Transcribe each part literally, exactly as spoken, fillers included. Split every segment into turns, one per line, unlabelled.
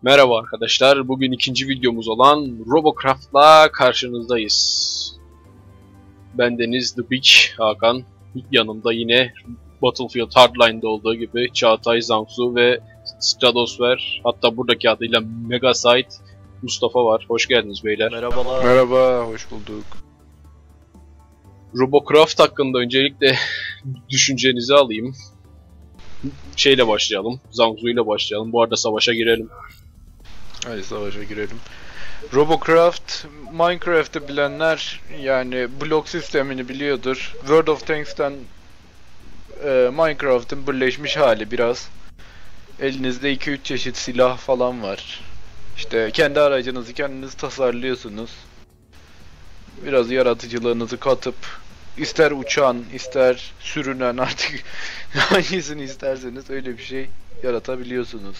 Merhaba arkadaşlar, bugün ikinci videomuz olan Robocraft'la karşınızdayız. Bendeniz The Big Hakan, yanımda yine Battlefield Hardline'da olduğu gibi Çağatay, Zangsu ve Stratosfer, hatta buradaki adıyla Megasite Mustafa var. Hoş geldiniz beyler.
Merhabalar.
Merhaba, hoş bulduk.
Robocraft hakkında öncelikle düşüncenizi alayım. Şeyle başlayalım, Zangsu ile başlayalım. Bu arada savaşa girelim.
Hadi savaşa girelim. Robocraft, Minecraft'ı bilenler yani blok sistemini biliyordur. World of Tanks'ten e, Minecraft'ın birleşmiş hali biraz. Elinizde iki üç çeşit silah falan var. İşte kendi aracınızı kendiniz tasarlıyorsunuz. Biraz yaratıcılığınızı katıp ister uçan, ister sürünen artık hangisini isterseniz öyle bir şey yaratabiliyorsunuz.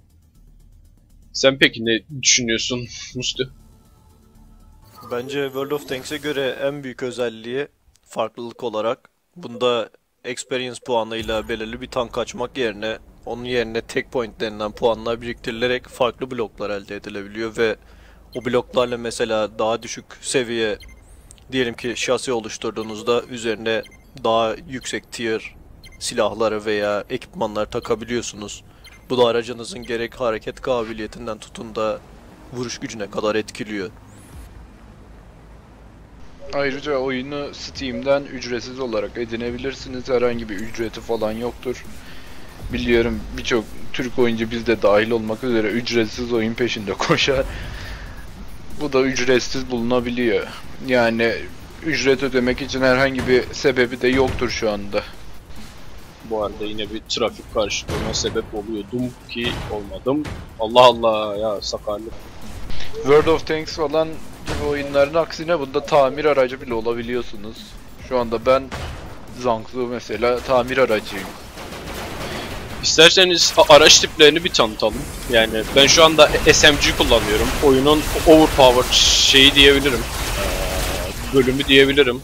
Sen peki ne düşünüyorsun Musti?
Bence World of Tanks'e göre en büyük özelliği farklılık olarak bunda experience puanıyla belirli bir tank açmak yerine onun yerine tek point denilen puanlar biriktirilerek farklı bloklar elde edilebiliyor ve o bloklarla mesela daha düşük seviye diyelim ki şasi oluşturduğunuzda üzerine daha yüksek tier silahları veya ekipmanlar takabiliyorsunuz. Bu da aracınızın gerek hareket kabiliyetinden tutun da vuruş gücüne kadar etkiliyor.
Ayrıca oyunu Steam'den ücretsiz olarak edinebilirsiniz. Herhangi bir ücreti falan yoktur. Biliyorum birçok Türk oyuncu bizde dahil olmak üzere ücretsiz oyun peşinde koşar. Bu da ücretsiz bulunabiliyor. Yani ücret ödemek için herhangi bir sebebi de yoktur şu anda.
Bu arada yine bir trafik karşılığına sebep oluyordum ki olmadım. Allah Allah ya, sakarlık.
World of Tanks falan gibi oyunların aksine bunda tamir aracı bile olabiliyorsunuz. Şu anda ben Zangsu mesela tamir aracıyım.
İsterseniz araç tiplerini bir tanıtalım. Yani ben şu anda S M G kullanıyorum. Oyunun overpowered şeyi diyebilirim. Ee, bölümü diyebilirim.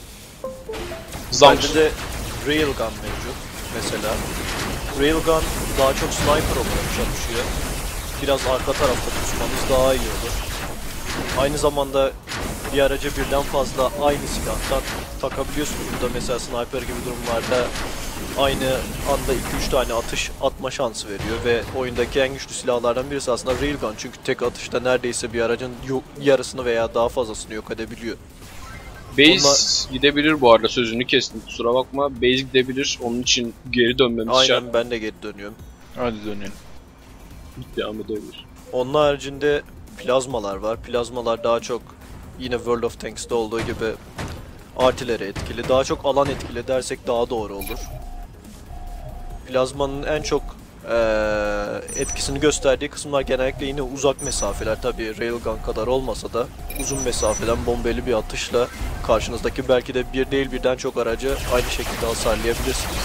Bende de Railgun mevcut mesela. Railgun daha çok sniper olarak çalışıyor. Biraz arka tarafta tutmanız daha iyi olur. Aynı zamanda bir araca birden fazla aynı silahtan takabiliyorsunuz. Burada mesela sniper gibi durumlarda aynı anda iki üç tane atış atma şansı veriyor ve oyundaki en güçlü silahlardan birisi aslında Railgun, çünkü tek atışta neredeyse bir aracın yarısını veya daha fazlasını yok edebiliyor.
Base
Onlar...
gidebilir bu arada, sözünü kestim kusura bakma. Base gidebilir, onun için geri dönmemiz
Aynen
şart.
Aynen ben de geri dönüyorum.
Hadi dönelim.
Devam edebilir.
Onun haricinde plazmalar var. Plazmalar daha çok yine World of Tanks'ta olduğu gibi artileri etkili. Daha çok alan etkili dersek daha doğru olur. Plazmanın en çok ee, etkisini gösterdiği kısımlar genellikle yine uzak mesafeler. Tabi Railgun kadar olmasa da uzun mesafeden bombeli bir atışla karşınızdaki belki de bir değil birden çok aracı aynı şekilde hasarlayabilirsiniz.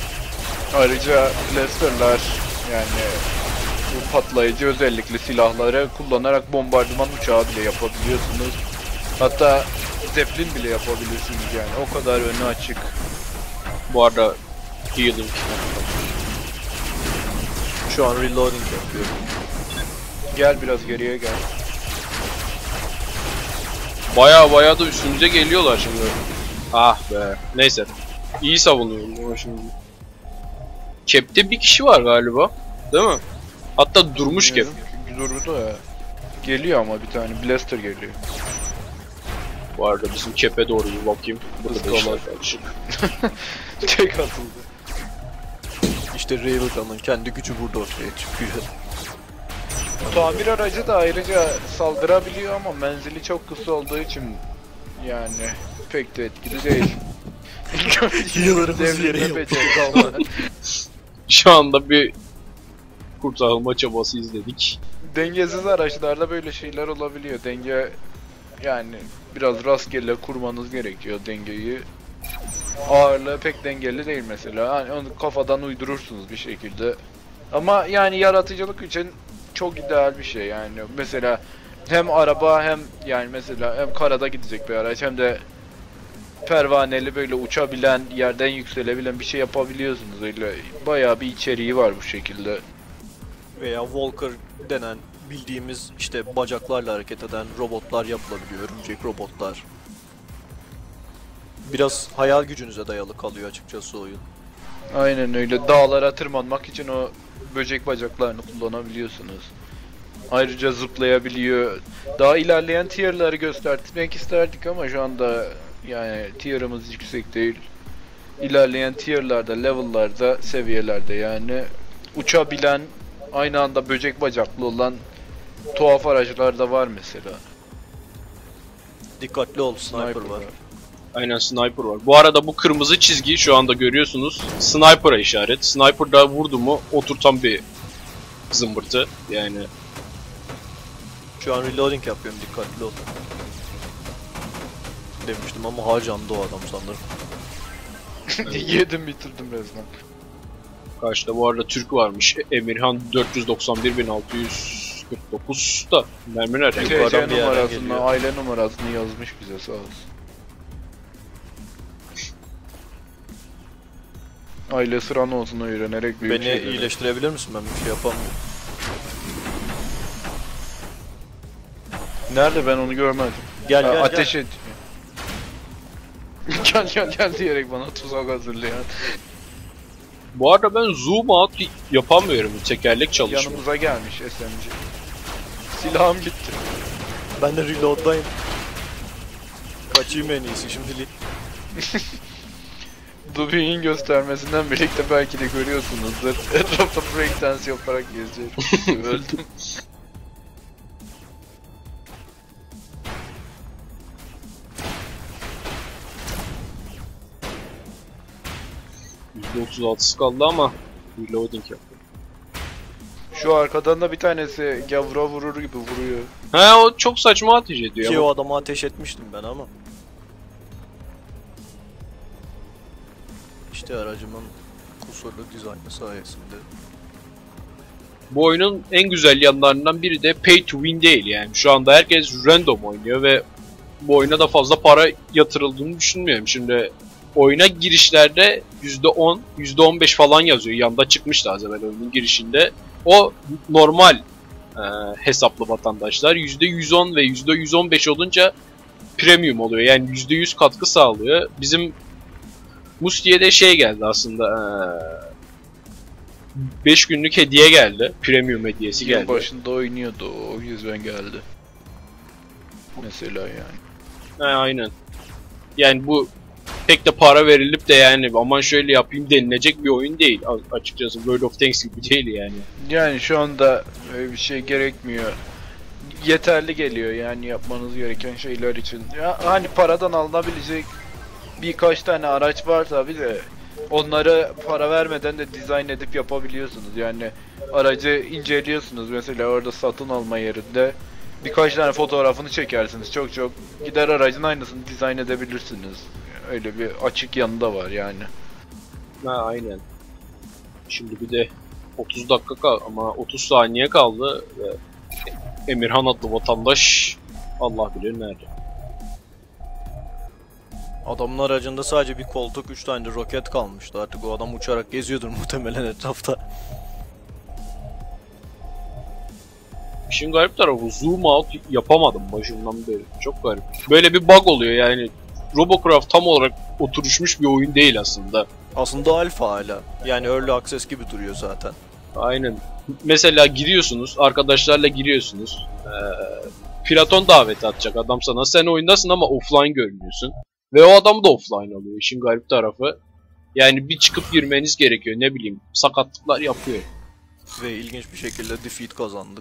Ayrıca Blaster'lar yani bu patlayıcı özellikli silahları kullanarak bombardıman uçağı bile yapabiliyorsunuz. Hatta Zeppelin bile yapabilirsiniz yani, o kadar önü açık.
Bu arada healing.
Şu an reloading yapıyorum.
Gel biraz geriye gel.
Baya baya da üstümüze geliyorlar şimdi. Ah be. Neyse. İyi savunuyorum ama şimdi. Cap'te bir kişi var galiba. Değil mi? Hatta durmuş Cap.
Durdu ya. Geliyor ama bir tane Blaster geliyor.
Bu arada bizim Cap'e doğru bir bakayım. Burada da işler karışık.
Tek atıldı.
İşte Railgun'un kendi gücü burada ortaya çıkıyor.
Tamir aracı da ayrıca saldırabiliyor ama menzili çok kısa olduğu için yani pek de etkili değil.
Healer'ımız yere yok.
Şu anda bir kurtarılma çabası izledik.
Dengesiz araçlarda böyle şeyler olabiliyor. Denge yani biraz rastgele kurmanız gerekiyor dengeyi. Ağırlığı pek dengeli değil mesela. Hani onu kafadan uydurursunuz bir şekilde. Ama yani yaratıcılık için çok ideal bir şey yani. Mesela hem araba hem yani mesela hem karada gidecek bir araç hem de pervaneli böyle uçabilen, yerden yükselebilen bir şey yapabiliyorsunuz. Öyle bayağı bir içeriği var bu şekilde.
veya Walker denen bildiğimiz işte bacaklarla hareket eden robotlar yapılabiliyor. Örümcek robotlar. Biraz hayal gücünüze dayalı kalıyor açıkçası oyun.
Aynen öyle. Dağlara tırmanmak için o böcek bacaklarını kullanabiliyorsunuz. Ayrıca zıplayabiliyor. Daha ilerleyen tier'ları göstermek isterdik ama şu anda yani tier'ımız yüksek değil. İlerleyen tier'larda, level'larda, seviyelerde yani uçabilen, aynı anda böcek bacaklı olan tuhaf araçlar da var mesela.
Dikkatli ol, sniper, sniper var. var.
Aynen, sniper var. Bu arada bu kırmızı çizgi şu anda görüyorsunuz. Sniper'a işaret. Sniper'da vurdu mu oturtan bir zımbırtı yani.
Şu an reloading yapıyorum, dikkatli ol. Demiştim ama harcandı o adam sanırım.
Yedim bitirdim resmen.
Karşıda bu arada Türk varmış. Emirhan dört yüz doksan bir bin altı yüz kırk dokuz da mermi nereden?
T C numarasını, aile numarasını yazmış bize, sağ olsun. Aile sıran olsun öğrenerek büyük
Beni
şeyleri.
iyileştirebilir misin? Ben bir şey yapamıyorum.
Nerede, ben onu görmedim.
Gel
ha,
gel
ateş
gel.
et. Gel gel gel diyerek bana tuzak hazırlayan.
Bu arada ben zoom out yapamıyorum. Tekerlek çalışmıyor.
Yanımıza gelmiş S M G. Silahım gitti.
Ben de reload'dayım. Kaçayım en iyisi şimdilik.
Dubi'nin göstermesinden birlikte belki de görüyorsunuzdur. Etrafta breakdance yaparak geziyorum. Öldüm.
yüzde otuz altısı kaldı ama reloading yapıyor.
Şu arkadan da bir tanesi gavura vurur gibi vuruyor.
He, o çok saçma ateş ediyor.
Ki
ama.
o adamı ateş etmiştim ben ama. İşte aracımın kusurlu dizaynı sayesinde.
Bu oyunun en güzel yanlarından biri de pay to win değil yani. Şu anda herkes random oynuyor ve bu oyuna da fazla para yatırıldığını düşünmüyorum. Şimdi oyuna girişlerde yüzde on, yüzde on beş falan yazıyor. Yanda çıkmıştı az evvel oyunun girişinde. O normal e, hesaplı vatandaşlar. yüzde yüz on ve yüzde yüz on beş olunca premium oluyor. Yani yüzde yüz katkı sağlıyor. Bizim Musti'ye de şey geldi aslında. beş günlük hediye geldi. Premium hediyesi geldi.
Yıl başında oynuyordu, o yüzden geldi. Mesela yani.
He, aynen. Yani bu pek de para verilip de yani aman şöyle yapayım denilecek bir oyun değil açıkçası. World of Tanks gibi değil yani.
Yani şu anda öyle bir şey gerekmiyor. Yeterli geliyor yani yapmanız gereken şeyler için. Ya hani paradan alınabilecek birkaç tane araç var tabi de onları para vermeden de dizayn edip yapabiliyorsunuz. Yani aracı inceliyorsunuz mesela orada satın alma yerinde. Birkaç tane fotoğrafını çekersiniz. Çok çok gider aracın aynısını dizayn edebilirsiniz. Öyle bir açık yanı da var yani.
Ha, aynen. Şimdi bir de otuz dakika kal ama otuz saniye kaldı ve Emirhan adlı vatandaş Allah bilir nerede.
Adamın aracında sadece bir koltuk, üç tane de roket kalmıştı. Artık o adam uçarak geziyordur muhtemelen etrafta.
İşin garip tarafı zoom out yapamadım başından beri. Çok garip. Böyle bir bug oluyor yani. Robocraft tam olarak oturuşmuş bir oyun değil aslında.
Aslında alfa hala. Yani early access gibi duruyor zaten.
Aynen. Mesela giriyorsunuz, arkadaşlarla giriyorsunuz. Ee, Platon daveti atacak adam sana. Sen oyundasın ama offline görünüyorsun. Ve o adam da offline oluyor. İşin garip tarafı. Yani bir çıkıp girmeniz gerekiyor. Ne bileyim, sakatlıklar yapıyor.
Ve ilginç bir şekilde defeat kazandık.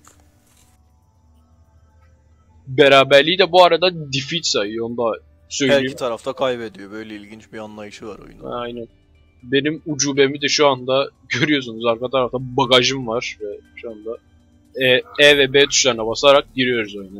Beraberliği de bu arada defeat sayıyor. Onu da söyleyeyim.
Her iki tarafta kaybediyor. Böyle ilginç bir anlayışı var oyunun.
Aynen. Benim ucubemi de şu anda görüyorsunuz. Arka tarafta bagajım var. Ve şu anda E, E ve B tuşlarına basarak giriyoruz oyuna.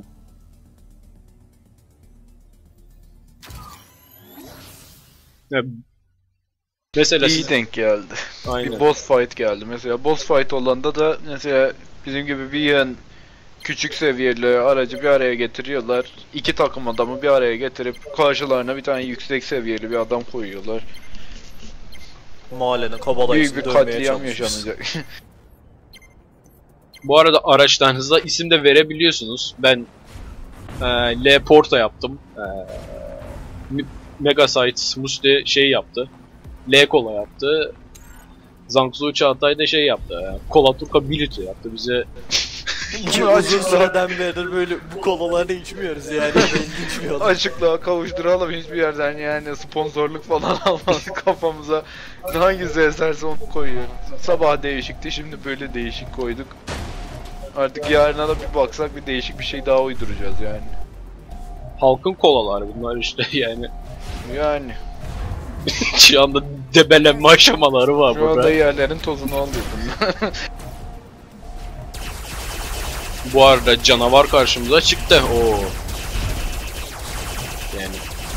Yani mesela
İyi
siz...
denk geldi.
Aynen.
Bir boss fight geldi. Mesela boss fight olanda da mesela bizim gibi bir yan küçük seviyeli aracı bir araya getiriyorlar. İki takım adamı bir araya getirip karşılarına bir tane yüksek seviyeli bir adam koyuyorlar.
Mahallenin kabalayısını
Büyük bir
dövmeye
katliam
çalışıyoruz.
yaşanacak.
Bu arada araçlarınıza isim de verebiliyorsunuz. Ben e, L Porta yaptım. E, Megasites Musti şey yaptı. L Kola yaptı. Zangzu Çağatay da şey yaptı. E, Kola Turka Bilito yaptı bize.
Uzun süreden beri böyle bu kolaları içmiyoruz yani. Ben içmiyorum.
Açıklığa kavuşturalım, hiçbir yerden yani sponsorluk falan almaz kafamıza. Hangisi eserse onu koyuyoruz. Sabah değişikti, şimdi böyle değişik koyduk. Artık yarına da bir baksak bir değişik bir şey daha uyduracağız yani.
Halkın kolaları bunlar işte yani.
Yani.
Şu anda debelenme aşamaları var
Şu
burada.
anda yerlerin tozunu alıyordum.
Bu arada canavar karşımıza çıktı. Oo. Yani.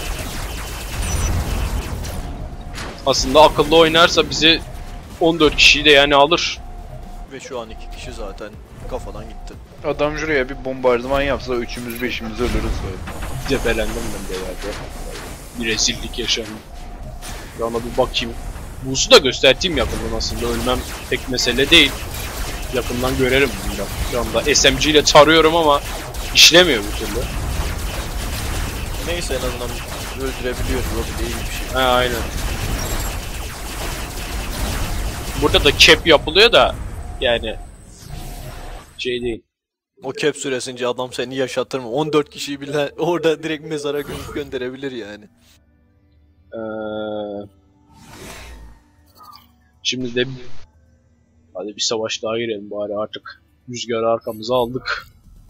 Aslında akıllı oynarsa bizi on dört kişiyi de yani alır.
Ve şu an iki kişi zaten kafadan gitti.
Adam şuraya bir bombardıman yapsa üçümüz beşimiz ölürüz böyle.
Debelendim ben de yerde. Bir rezillik yaşandı. Bir ana bir bakayım. Buğusu da göstereyim yakından aslında. Ölmem pek mesele değil. Yakından görelim bunu da. Şu anda S M G ile tarıyorum ama işlemiyor bir türlü.
Neyse en azından öldürebiliyoruz. O bile iyi bir şey.
He aynen. Burada da cap yapılıyor da yani şey değil.
O cap süresince adam seni yaşatır mı? on dört kişiyi bile orada direkt mezara gö- gönderebilir yani.
Ee, şimdi de hadi bir savaş daha girelim bari artık. Rüzgarı arkamıza aldık.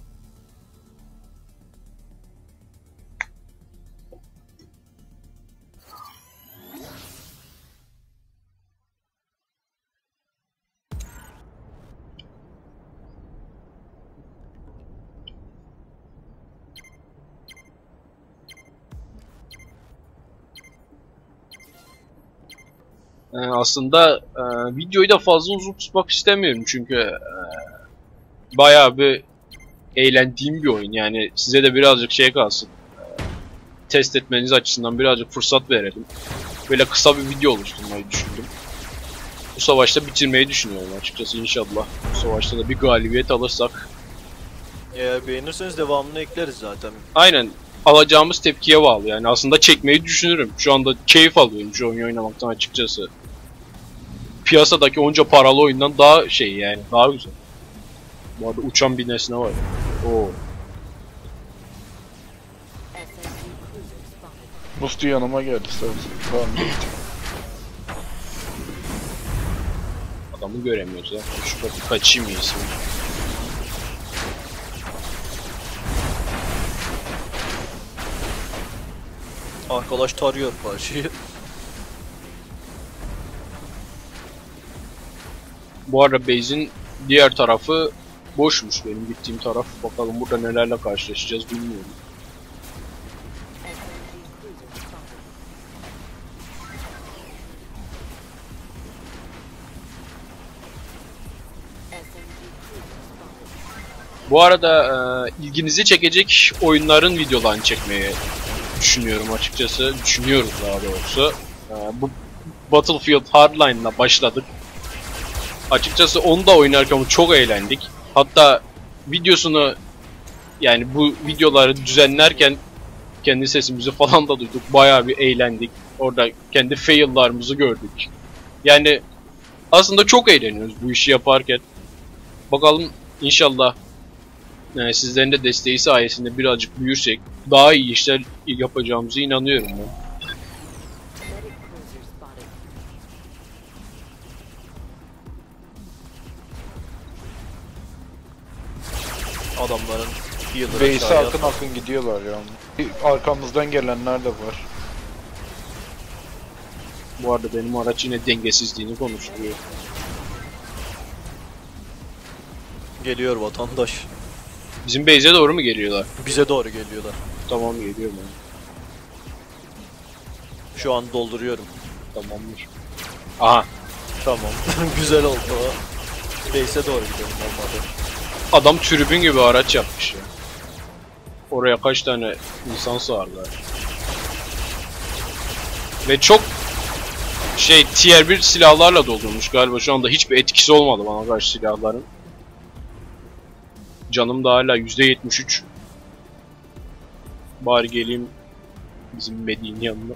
Ee, aslında e, videoyu da fazla uzun tutmak istemiyorum çünkü e, bayağı bir eğlendiğim bir oyun yani size de birazcık şey kalsın e, test etmeniz açısından birazcık fırsat verelim. Böyle kısa bir video oluşturmayı düşündüm. Bu savaşta bitirmeyi düşünüyorum açıkçası inşallah. Bu savaşta da bir galibiyet alırsak.
Eğer beğenirseniz devamını ekleriz zaten.
Aynen. Alacağımız tepkiye bağlı yani aslında çekmeyi düşünürüm. Şu anda keyif alıyorum şu oyunu oynamaktan açıkçası. Piyasadaki onca paralı oyundan daha şey yani daha güzel. Bu arada uçan bir nesne var. Oo.
Musti yanıma geldi sen. Tamam.
Adamı göremiyoruz ya. Şurada bir kaçayım iyisi.
Arkadaş tarıyor karşıyı.
Bu arada base'in diğer tarafı boşmuş benim gittiğim taraf. Bakalım burada nelerle karşılaşacağız bilmiyorum. Bu arada e, ilginizi çekecek oyunların videolarını çekmeyi düşünüyorum açıkçası. Düşünüyoruz daha doğrusu. E, bu Battlefield Hardline'la başladık. Açıkçası onu da oynarken çok eğlendik. Hatta videosunu yani bu videoları düzenlerken kendi sesimizi falan da duyduk. Bayağı bir eğlendik. Orada kendi fail'larımızı gördük. Yani aslında çok eğleniyoruz bu işi yaparken. Bakalım inşallah yani sizlerin de desteği sayesinde birazcık büyürsek daha iyi işler yapacağımıza inanıyorum ben.
Adamların healer'ı
Base'e
aşağıya
akın akın gidiyorlar yani. Arkamızdan gelenler de var.
Bu arada benim araç yine dengesizliğini konuşturuyor.
geliyor vatandaş.
Bizim base'e doğru mu geliyorlar?
Bize doğru geliyorlar.
Tamam geliyorum ben.
Şu an dolduruyorum.
Tamamdır. Aha.
Tamam. Güzel oldu o. Base'e doğru gidelim olmadı.
Adam tribün gibi araç yapmış ya. Oraya kaç tane insan sığarlar. Ve çok şey tier bir silahlarla doldurmuş galiba şu anda hiçbir etkisi olmadı bana karşı silahların. Canım da hala yüzde yetmiş üç. Bari geleyim bizim Medi'nin yanına.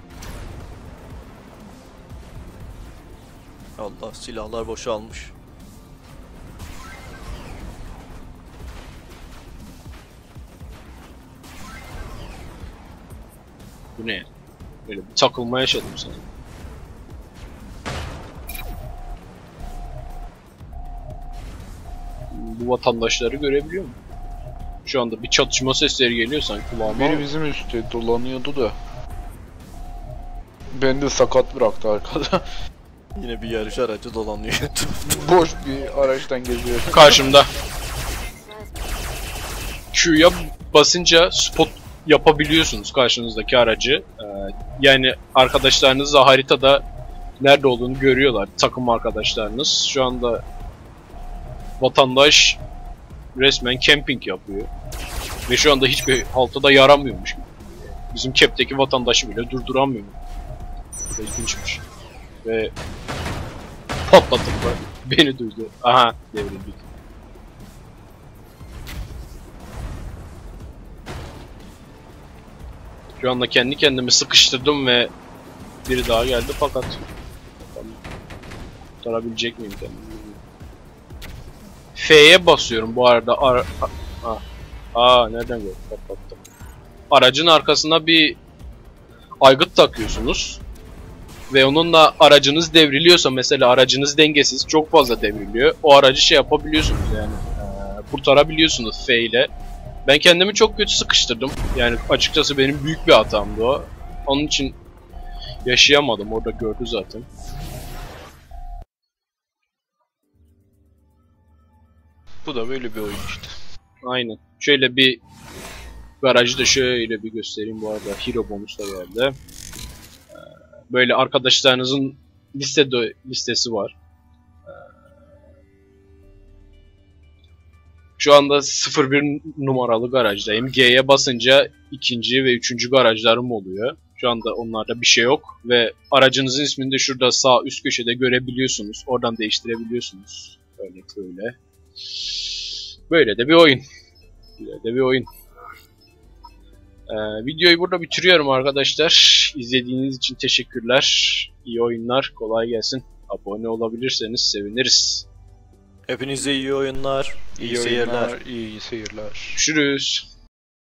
Allah, silahlar boşalmış.
Bu ne? Böyle bir takılma yaşadım sana. Bu vatandaşları görebiliyor mu? Şu anda bir çatışma sesleri geliyor sanki kulağıma.
Biri bizim üstte dolanıyordu da. Beni de sakat bıraktı arkada.
Yine bir yarış aracı dolanıyor.
Boş bir araçtan geziyor.
Karşımda. Q'ya basınca spot yapabiliyorsunuz karşınızdaki aracı. Ee, yani arkadaşlarınız da haritada nerede olduğunu görüyorlar. Takım arkadaşlarınız. Şu anda vatandaş resmen camping yapıyor. Ve şu anda hiçbir halta da yaramıyormuş. Bizim Cap'teki vatandaşı bile durduramıyor. İlginçmiş. Ve patlatıp beni duydu. Aha, devrildik. Şu anda kendi kendimi sıkıştırdım ve biri daha geldi fakat kurtarabilecek miyim kendimi? F'ye basıyorum bu arada. Ar Aa, Aa nereden gördüm? Patlattım. Aracın arkasına bir aygıt takıyorsunuz. Ve onunla aracınız devriliyorsa, mesela aracınız dengesiz, çok fazla devriliyor. O aracı şey yapabiliyorsunuz yani. Ee, kurtarabiliyorsunuz F ile. Ben kendimi çok kötü sıkıştırdım. Yani açıkçası benim büyük bir hatamdı o. Onun için yaşayamadım. Orada gördü zaten.
Bu da böyle bir oyun işte.
Aynen. Şöyle bir garajı da şöyle bir göstereyim bu arada. Hero bonus da geldi. Böyle arkadaşlarınızın liste listesi var. Şu anda sıfır bir numaralı garajdayım. G'ye basınca ikinci ve üçüncü garajlarım oluyor. Şu anda onlarda bir şey yok. Ve aracınızın ismini de şurada sağ üst köşede görebiliyorsunuz. Oradan değiştirebiliyorsunuz. Böyle böyle. Böyle de bir oyun. Böyle de bir oyun. Ee, videoyu burada bitiriyorum arkadaşlar. İzlediğiniz için teşekkürler. İyi oyunlar. Kolay gelsin. Abone olabilirseniz seviniriz.
Hepinize iyi oyunlar, iyi,
İyi
seyirler.
oyunlar, iyi seyirler.
Görüşürüz.